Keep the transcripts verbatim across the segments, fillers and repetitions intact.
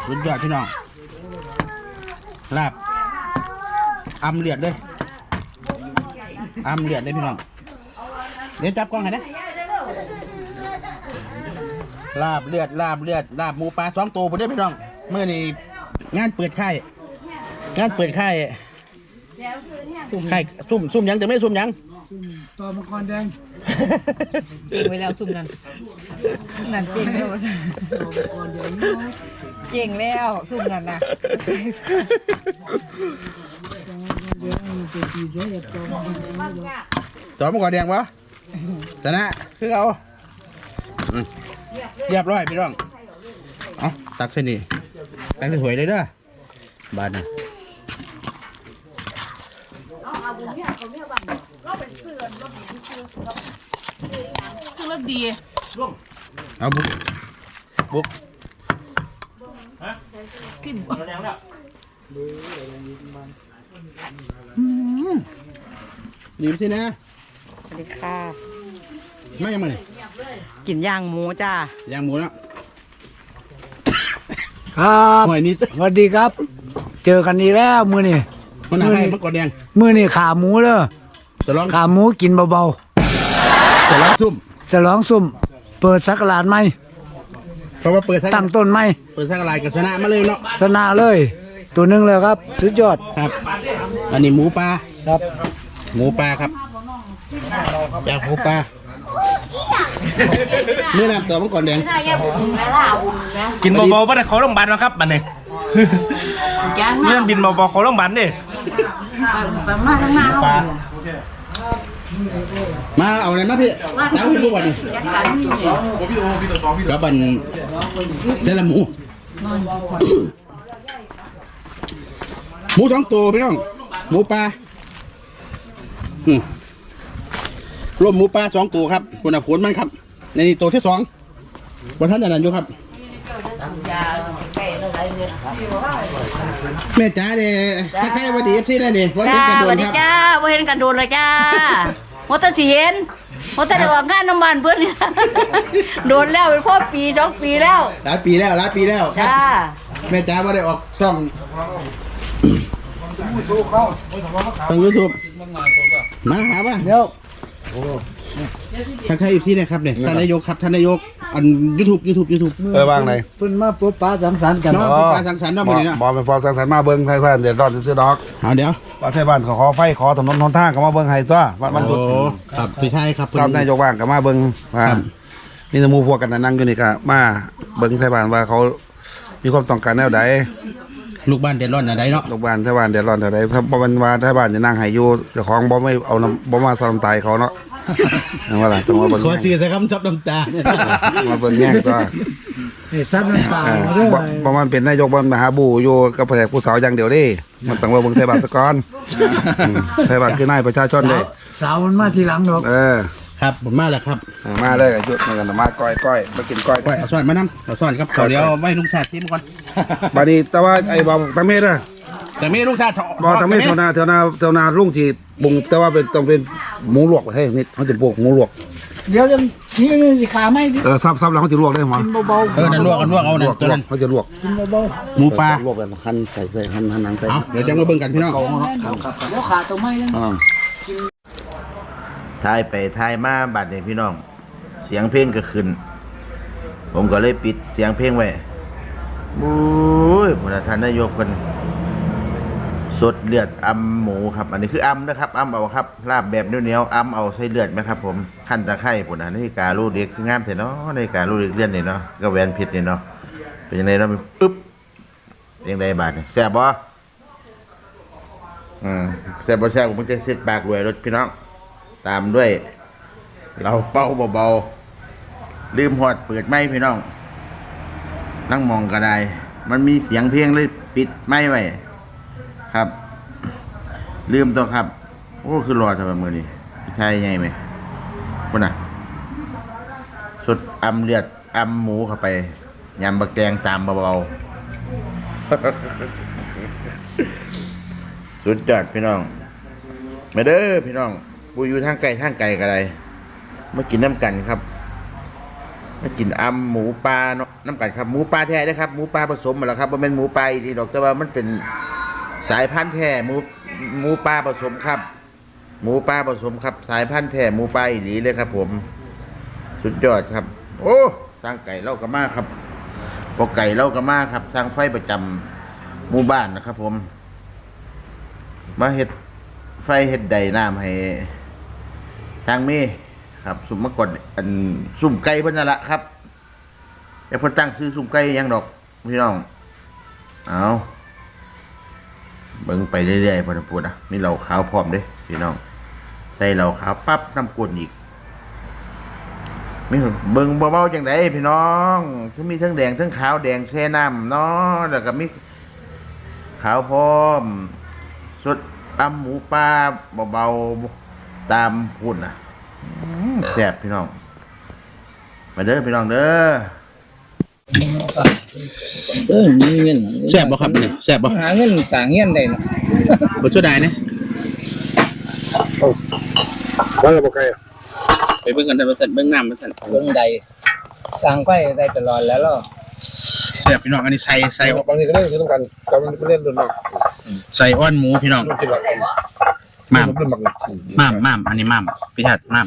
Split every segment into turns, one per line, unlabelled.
สุดยอดพี่น้องลาบอำเลือดเลยอำเลือดเลยพี่น้องเดี๋ยวจับกล้องให้นะลาบเลือดลาบเลือดลาบหมูปลาสองตัวผมได้พี่น้องเมื่อนี้งานเปิดค่ายงานเปิดค่ายค่ายซุ่มซุ่มยังแต่ไม่ซุ่มยัง
ตัวมังกรแดง
เจ๋งไว้แล้วซุ่มนั่นนั่นเจ๋งแล้วเจ๋งแล้วซุ่มนั่นนะ
จอมังกรแดงวะชนะคือเอาเรียบร้อยพี่น้องเอาตักเส้นนี่ตักให้สวยเลยเด้อบานนะ
ซึ่งรสดี
เอาบุกบุก
กิน
ดีสินะ
สวัสดีค่ะ
ไม่ยังไง
กินย่างหมูจ้า
ย่างหมูแล้ว
ครับสวัสดีครับเจอกันอีกแล้วมือนี่
มันอะไรมันกอดแดง
มือนี่ขาหมูเด้อขาหมูกินเบา
ๆฉลองซุ่ม
ฉลองซุ่มเปิดสักการไหม
เพราะว่าเปิด
ตั้งต้นไหม
เปิดสักการกับชนะมาเลยเนาะ
ชนะเลยตัวหนึ่งเลยครับสุดยอด
ครับอันนี้หมูปลา
ครับ
หมูปลาครับอยากหมูปลาเมื่อนำตัวมังกรแดง
กินเบาๆป่ะเนี่ยเขาโรงพยาบาลมาครับบันเนี่ยเรื่องบินเบาๆเขาโรงพยาบาลเนี่ย
ปลามาเอาอะไรมาพี่น้ำพี่ผู้บอลนี่กับบันเจลหมูหมูสองตัวพี่น้องหมูปลารวมหมูปลาสองตัวครับคนอ่ะผลมันครับในนี้ตัวที่สองบนท่านจะนั่นอยู่ครับแม่จ้าเนี่ยถ้าใครวันดีเอฟซีได้เนี่ยวันนี้กันโดนครับ
จ้าวันเห็นกันโดนเลยจ้าวัตสีเห็นวัตสีออกงานน้ำมันเพื่อนโดนแล้วเป็นพ่อปีสองปีแล้ว
หลายปีแล้วหลายปีแล้ว
จ้า
แม่จ้าว่าได้ออกช่องช่องยูทูบมาหาป่ะเดี๋ยวท่านใครอีกที่เนี่ยครับเนี่ยท่านนายกครับท่านนายกอันยูทูบยูทูบยูทูบ
เออว่างไหน
เพิ่นมาปุ๊บป้าสังสรรค์กัน
เนาะป้าสังสรรค์เนาะมื้อนี้เนาะ
บอเป็นพอสังสรรค์มาเบิ่งไทยบ้านเดี๋ยวรอดซื้อดอก
เอาเดี๋ยว
ว่าไทยบ้านขอขอไฟขอถนนหนทางก็มาเบิ่งให้ตัววันหยุด
ครับพี่ชายครับ
ซ้ำนายกว่างก็มาเบิ่งนี่สมูพวกกันนั่งอยู่นี่ก็มาเบิ่งไทยบ้านว่าเขามีความต้องการแนวใด
ลูกบ้านเดือดร้อนอะไรเนาะ
ลูกบ้านไทยบ้านเดือดร้อนอะไรถ้าบ่มันว่าไทยบ้านจะนั่งให้อยู่เจ้าของบ่ไม่เอาบ่มาสลำตายเขาเนาะนั่นว่าล่ะต้องมาเบิ่ง
ขอซื้อใส่คำซับน้ำตา
มาเบิ่งแย่งตัว
เฮ้ซับน้ำตา
บ่มันเป็นนายกบ่มหาบูอยู่กับแขกผู้สาวอย่างเดียวเด้มันต้องว่าเบิ่งไทยบ้านซะก่อนไทยบ้านคือนายประชาชนเด้
สาวมันมาทีหลังดอก
เออ
ครับผมมาแล้วครับ
มาเลยหยุดมากันมาก้อยก้อยมากินก้อย
ก้อยเอาซ่อนมานำเอาซ่อนครับเดี๋ยวไว้ลุงชาติชิมก่อน
บัดนี้แต่ว่าไอ้บ่ตะเม็ดอ่ะ
แต่ไม่ลุงชาติ
บ่ตะเม็ดเท่านาเท่านาเท่านาลุงที่บุงแต่ว่าเป็นต้องเป็นหมูลวกเฮ้ยนี่เขาจะปลูกหมูลวก
เดี๋ยวจะนี่นี่สิขาไหมดิ
เออซับๆแล้วเขาจะลวกได้หมอ
เบาๆ
เออนั่นลวกกันลวกเอานั่นตัวนั้น
เขาจะลวก
กินเบา
ๆหมูปลา
ลวกกันหั่นใส่ใส่หั่นหั่นหนังใส่
เดี๋ยวจะมาเบิ่งกันพี่น้อง
แล้วขาตัวไม้แล้ว
ทายไปทายมาบัดนี้พี่น้องเสียงเพลงก็ขึ้นผมก็เลยปิดเสียงเพลงไว้บุ้ยพระท่านนายกคนสดเลือดอำหมูครับอันนี้คืออำนะครับอำเอาครับลาบแบบเหนียวๆอำเอาใส่เลือดไหมครับผมขั้นตะไคร้ปุ่นนะนี่การูเด็กคืองามเถอะเนาะในการูเด็กเลี้ยนนี่เนาะก็แหวนผิดนี่เนาะเป็นยังไงเนาะอึ๊บยังไงบาดเนี่ยแซ่บบ่อืมแซ่บบ่แซ่บผมจะเสียปากรวยรถพี่น้องตามด้วยเราเป้าเบาๆลืมหอดเปิดไม้พี่น้องนั่งมองก็ได้มันมีเสียงเพลงเลยปิดไม้ไว้ครับลืมตัวครับโอ้คือรอทำไมมือนี่ใช่ไงไหมคุณน่ะสุดอำเลือดอำหมูเข้าไปยำบะแกงตามเบาๆสุดยอดพี่น้องมาเด้อพี่น้องปูอยู่ทางไกลทางไกลกันเลยมากินน้ำกันครับมากินอำหมูปลาเนาะน้ำกันครับหมูปลาแท้นะครับหมูปลาผสมมาแล้วครับมันเป็นหมูปลาอีกทีดอกแต่ว่ามันเป็นสายพันธุ์แท้หมูหมูปลาผสมครับหมูปลาผสมครับ สายพันธุ์แท้หมูปลาอีหลีเลยครับ ผมสุดยอดครับโอ้สร้างไก่เล่ากระมาครับพอไก่เล่ากระมาครับสร้างไฟประจำหมู่บ้านนะครับ ผมมาเฮ็ดไฟเฮ็ดใดน้ำให้สร้างเมครับสุ่มมากดอันสุ่มไก่เพิ่นนั่นละครับแต่เพิ่นตั้งซื้อสุ่มไก่ยังดอกพี่น้องเอาเบิ่งไปเรื่อยๆพอพูดนะมีเหล้าขาวพร้อมเด้พี่น้องใส่เหล้าขาวปั๊บน้ำกวนอีกมีเบิ่งเบาๆจังไดพี่น้องทั้งมีทั้งแดงทั้งขาวแดงแช่น้ำเนาะแล้วก็มีขาวพร้อมสดตำหมูปลาเบาๆตามพุ่นนะแซ่บพี่น้องมาเด้อพี่น้องเด้อ
เออมีเงิน
แซ่บบ่ครับนี่แซ่บบ่
หาเงินสร้างเงินได้เนาะ
บ่ช่วยได้เนี่ย
ว่าจะบอกไง
ไปเบิ่งกันได้บ่ซั่นเบิ่งน้ำบ่ซั่น
เบิ่งใดสร้างไฟได้ตลอดแล้วเนาะ
แซ่บพี่น้องอันนี้ใส่ใส่
บางทีก็เล่นคือต้องกันกำลังเล่นดุนนอก
ใส่อ้อนหมูพี่น้อง
จิบหลัก
ม่าม
ดุนหมัก
ม่ามม่ามอันนี้ม่ามพี่ทัดม่าม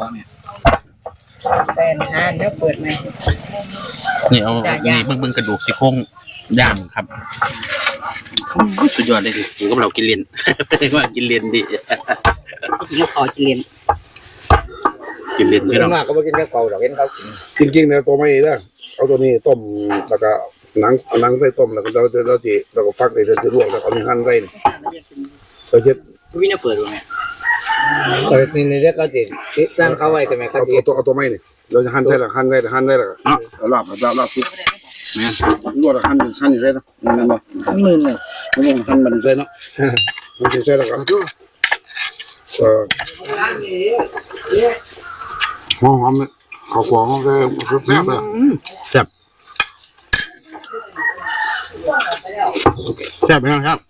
เป็นหาเดี๋ยวเปิดไหม
นี่เอานี่เบิ่งเบิ่งกระดูกซี่โครงย่างครับสุดยอดเลยกินกับเรากินเลน ว่ากินเลนดิ
จริงๆขอกิน
กินเลนพี่น้อง
มากก็บ่กินกับเก่าดอกเห็นเขากิน
จริงๆเนี่ยตัวไม่เด้อเอาตัวนี้ต้มแล้วก็หนังหนังใส่ต้มแล้วก็เราจะเราจะเราก็ฟักเลยจะลวกแล้วก็มีหั่นใส่เราเช็ด
วินาเปิดบ่แม่
เปิดนี่นี่เด็กเขาสิสร้างเขาไว้แต่แม่เขา
เอา
สิ
ตัวเอาตัวไม่นี่เราจะหั่นใส่แล้วหั่นใส่หั่นใส่แล้วเอาลาบลาบลาบซุป
แม่น
ลวกแล้วหั่นหั่นอยู่ใส่เนาะนั่นบ่
ทั้งมื่นเลย
มันต้องหั่นมันใส่เนาะมันใส่แล้วก็เออหอมหอมข้าวฟองแซ่บแซ่บเลย
แซ่บแซ่บพี่น้องครับ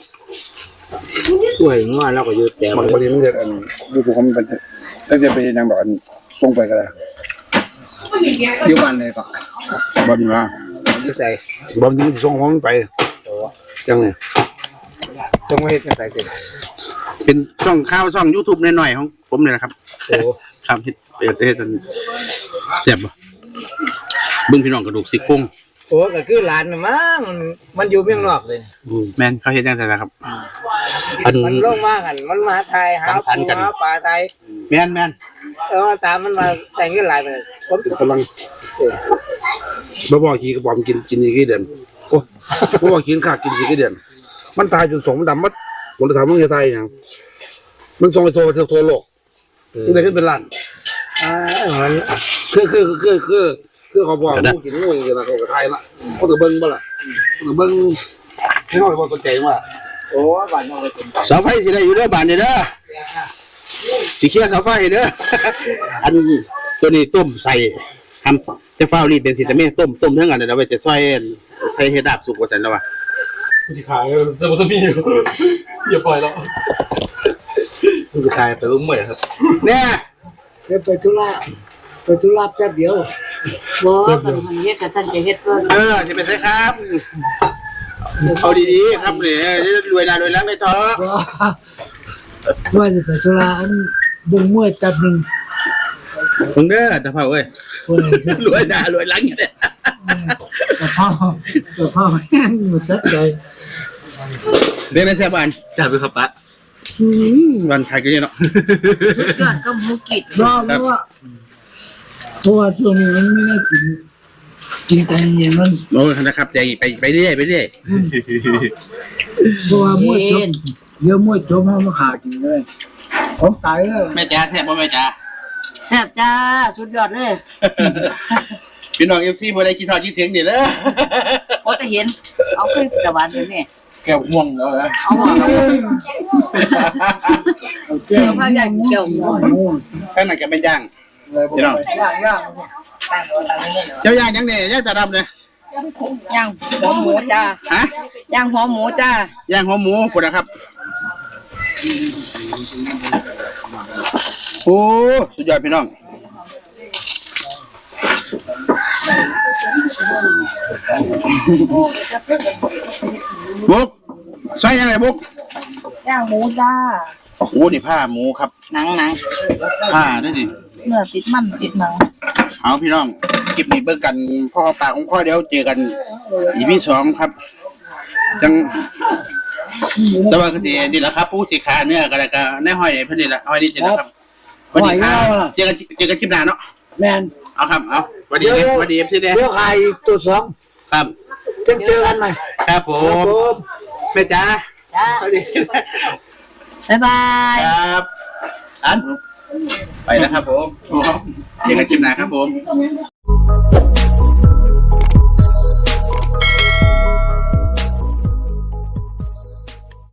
ช่วยงัวแล้วก็อยู่แต่
มันพอดีมันจะอันดูถูกมันเป็นตั้งใจไปยังแบบอันส่งไปก็ได้
อยู่บ้านเลยก็
บอดีมา
อยู่ใส่
บอดีมันส่งของมันไปจังเนี่ย
จงไว้เฮ็ดใส่สิ
เป็นช่องข้าวช่อง YouTube หน่อยๆของผมนี่แหละครับ
โอ้
ครับเฮ็ดเปิดเฮ็ดอันแซ่บบ่เบิ่งพี่น้องกระดูกซี่โครง
โอ้ก็คือหลานน่ะมั้งมันมันอยู่เมืองนอกเลย
อืมแม่นเขาเฮ็ดจังซั่นนะครับอัน
มันลงมากันมันมาไทยหา
สังสรรค์
ปู
กัน
หาปลาไทย
แม่นแม่น
เออตามมันมาแต่งเงินหลายไปเลยผม
กำลังบ่บอกขี้กระป๋อมกินกินอีกกี่เดือนโอ้บ่บอกกินข้ากินอีกกี่เดือนมันตายจนสมดำมัดผมจะถามมึงจะตายยังมันส่งไปโทรไปทั่วโลกมันได้ขึ้นเป็นล้าน
อ่ามัน
คือคือคือคือคือเขาบอกงูกินงูอย่างเงี้ยนะเขาก็ทายละเขาจะเบิ้งบ่ล่ะเขาจะเบิ้งให้เขาบอกสนใจว่า
โอ้บ้านนอกเลย
เสาไฟสิได้อยู่เด้อบ้านนี่เด้อสิเคลียร์เสาไฟให้เด้อ อันตัวนี้ต้มใส่ทำจะฟ้าวรีดเป็นสิแต่แม่ต้มต้มเรื่องอันนั้นเอาไว้จะซอยใส่เฮ็ดดาบสุกว่าซั่นแล้วว่า
ที่ขายแต่มันจะมีอยู่อย่าปล่อยแล้วมันจะขายแต่รู้เหมือนครับ
เนี่ย
เดี๋ยวไปธุระไปธุระแป๊บเดียว
บ่กันมันเฮ็ดกับท่านจะเฮ็ดเพิ่น
เออจะเป็นไงครับเอาดีๆครับเนี่ยรวยนารวยหลังได้ท้อ
ว่าจะไปธุระอันเบิ่งมวยแป๊บหนึง
มึงเด้อตะเภาเอ้ย
เพิ่น
รวยหน้ารวยหลังอยู่เนี่ย
กระเพราตะเภาแห้งอยู่จัดใจ
เรียนในแซ่บาน
จ่ายไปครับปะ
อืมวันขายกันเนี่ยเนาะ
ยอดก็หมูกิด
รอเพราะว่าเพราะว่าช่วงนี้มันไม่ได้กินกินแต่เย็นมัน
โอ้ยนะครับใจไปไปเรื่อยไปเรื่อย
เพราะว่ามวยจบเยอะมวยจบมันมาขากินเลยของตายเลย
แม่จ๋าแซ่บบ่แม่จ๋า
แซ่บจ้าสุดยอดเลย
พี่น้อง เอฟ ซี บ่ได้คิดทอดคิดถึงนี่เด้อ
พอจะเห็นเอาขึ้นตะวันเลยแม่
แก้วม่วงแล้วนะ
เอาหัวเอา
เอาแก้ว
พาใหญ่เกี่ยวหมู
ข้างในก็เป็นย่างพี่น้อง
ย่างย่าง
เจ้าย่างยังเนี่ยย่างตาดำเนี่ย
ย่างหัวหมูจ้า
ฮะ
ย่างหัวหมูจ้า
ย่างหัวหมูพุ่นนะครับ โอ้สุดยอดพี่น้องบุกใส่ยังไงบุก
ย่างหมูจ้า
โอ้โหนี่ผ้าหมูครับ
หนังหนัง
ผ้าด้วยดิ
เนื้อติดมันติดหนัง
เอาพี่น้องคลิปนี้เบิ่งกันพ่อปากของข้อเดียวเจอกันอีพีสองครับจังแต่ว่าก็สินี่แหละครับผู้สิขาเนื้อก็แล้วก็ในห้อยนี่เพิ่นนี่แหละห้อยนี่นี่แหละครับสวัสดีครับเจอกันเจอกันคลิปหน้าเนาะ
แมน
เอาครับเอาสวัสดีครับสวัสดีครับพี่เด้
เดี๋ยวขายอีกตัวสอง
ครับ
จะเจอกันใหม่
ครับผ
ครับ
ม
ผม
แม่จ๋า
จ้า
สวัสดี
บ๊ายบาย
ครับอันไปแล้วครับผมเจอกันคลิปหน้าครับผม